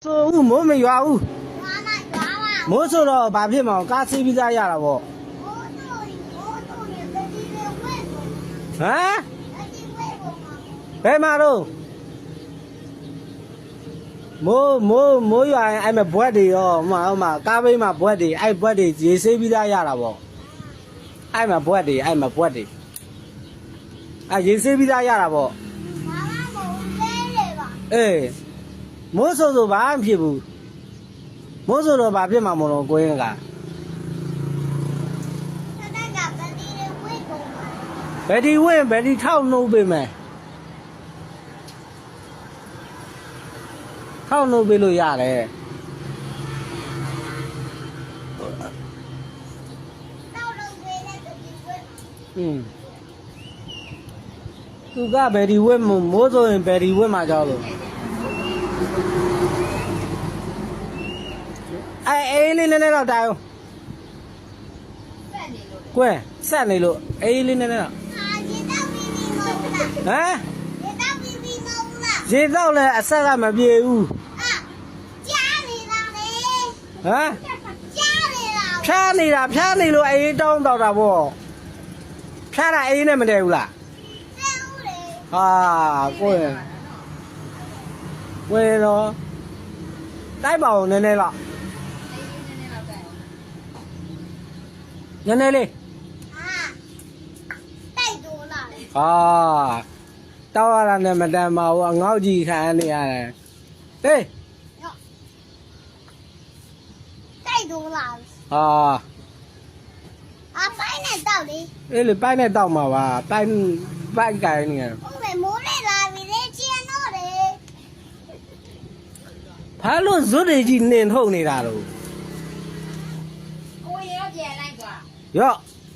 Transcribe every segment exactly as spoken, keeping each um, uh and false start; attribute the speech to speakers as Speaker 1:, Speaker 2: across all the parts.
Speaker 1: ဆိုဦးမိုးမရွာဦးမိုးဆိုတော့ဘာဖြစ်မအောင်ကားစီးပြီးသားရတာပေါ့ဟမ်ဘယ်မှာတော့မိုးမိုးမိုးရွာရင်အဲ့မဲ့ဘွက်တွေရောဟိုမှာဟိုမှာကားဘေးမှာဘွက်တွေအဲ့ဘွက်တွေရေဆေးပြီးသားရတာပေါ့အဲ့မှာဘွက်တွေအဲ့မှာဘွက်တွေအဲ့ရေဆေးပြီးသားရတာပေါ့အေးမိုးဆိုဆိုဘာမှဖြစ်ဘူးမိုးဆိုတော့ဘာဖြစ်မှာမလို့ကိုင်းကဘယ်ဒီဝင်ဘယ်ဒီထောက်နှုတ်ပေးမယ်ထောက်နှုတ်ပေးလို့ရတယ်อืมသူကဘယ်ဒီဝင်မိုးဆိုရင်ဘယ်ဒီဝင်မှာကြောက်လို့အဲအေးလေးနည်းနည်းတော့တိုင်အောင်ကွယ်ဆက်နေလို့အေးလေးနည်းနည်းတော့ဟမ်ရေတော့လဲအဆက်ကမပြေဘူးကြားနေတာလေဟမ်ကြားနေတာဖြားနေတာဖြားနေလို့အေးတောင်းတော့တာပေါ့ဖြားတာအေးနဲ့မတည့်ဘူးလားတည့်ဘူးလေဟာကိုယ်ဝယ်တော့တိုက်ပါအောင်နည်းနည်းတော့နည်းနည်းလေးအာတိုက်တော့လာဟာတောက်ရတာနဲ့မတန်ပါဘူးအငေါ့ကြီးခံနေရတယ်ဟေးတိုက်တော့လာဟာအပိုင်းနဲ့တောက်လေအေးလေပိုင်းနဲ့တောက်မှာပါပိုင်းပိုင်းကိုင်းနေတယ်ဟုတ်မယ်မိုးလေးလာပြီလေကျင်းတော့လေဘာလို့ဇွတ်တွေကြီးနင်ထုတ်နေတာလို့ကိုရေရောပြန်လိုက်ကွာရော့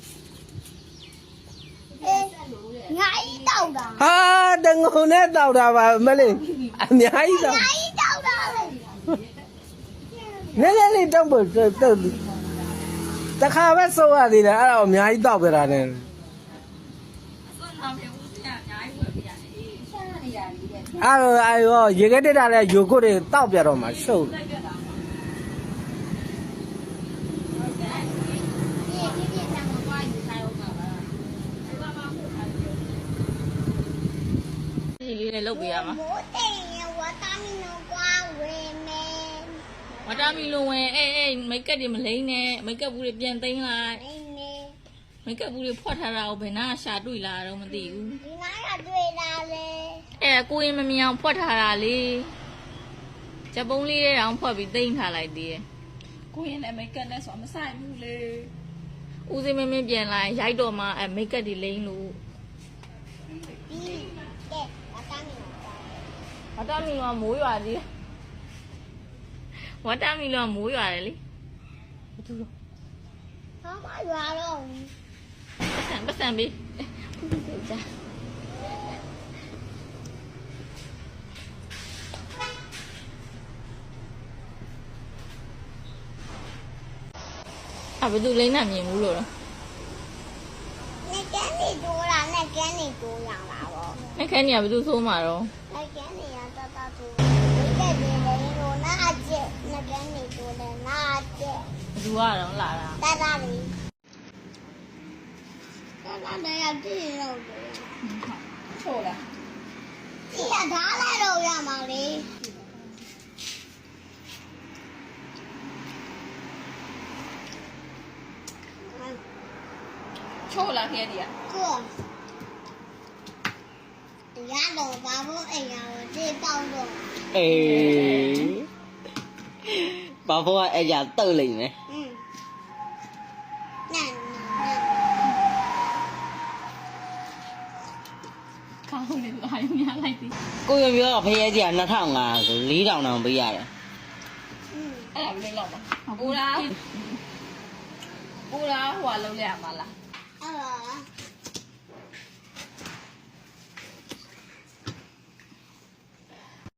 Speaker 1: ငါဤတောက်တာဟာတငုံနဲ့တောက်တာပါမလေးအများကြီးတောက်ငါဤတောက်တာလေနည်းနည်းလေးတောက်ဖို့တောက်တခါပဲစိုးရသေးတယ်အဲ့ဒါအများကြီးတောက်ပြတာနဲ့အဲ့တော့အဲ့ရောရေခဲတက်တာလဲယိုကုတ်တွေတောက်ပြတော့မှရှုပ်ဒီလေးနဲ့လုပ်ပေးရမှာမိုးတိမ်ရဝတာမီနိုကွာဝဲမယ်ဝတာမီလိုဝင်အေးအေးမိတ်ကပ်တွေမလိမ့်နဲ့မိတ်ကပ်ဘူးတွေပြန်သိမ်းလိုက်လိမ့်နေမိတ်ကပ်ဘူးတွေဖွက်ထားတာကိုဘယ်နာရှာတွေ့လာတော့မသိဘူးဒီနားကတွေ့လာလေအဲ့ကိုရင်မမြင်အောင်ဖွက်ထားတာလေချက်ပုံးလေးတဲ့အောင်ဖွက်ပြီးသိမ်းထားလိုက်သေးတယ်ကိုရင်လည်းမိတ်ကပ်နဲ့ဆိုမဆိုင်ဘူးလေဦးစင်းမင်းမင်းပြန်လာရိုက်တော့မှအဲမိတ်ကပ်တွေလိမ့်လို့ဝတာမီလောမိုးရွာသေးဝတာမီလောမိုးရွာတယ်လေဘာတူလို့ဟာမရွာတော့ပတ်စံပတ်စံပေးကြာအဘယ်သူလိမ့်နေမြင်ဘူးလို့တော့နေကန်းနေတိုးလာနေကန်းနေတိုးလာပါဘောနေကန်းနေကဘယ်သူဆိုးမှာတော့နေကန်းနေရတတတိုးဒီကဲဒီလေရိုနာကျက်နေကန်းနေတိုးလဲနာကျက်ဘယ်သူကတော့လာတာတတလေးတတလေးရကြည့်ရောချိုးလားဒီကဓာတ်လိုက်တော့ရမှာလေချိုးလားခဲဒီကကိုရတော့ဘာလို့အိမ်ရောဒီပေါင်းတော့အေးဘာဖို့အဲ့ရတုတ်လိမ့်မယ်อืมนั่นကောင်းနေလာရများလိုက်ပြီကိုရပြောဖရဲကြီးကနှစ်ထောင်ငါဆိုလေးထောင်တောင်ပေးရတယ်อืมအဲ့ဒါဘယ်လိုလုပ်ပါကိုလားကိုလားဟိုကလုံးရမှာလားအဲ့ဒါ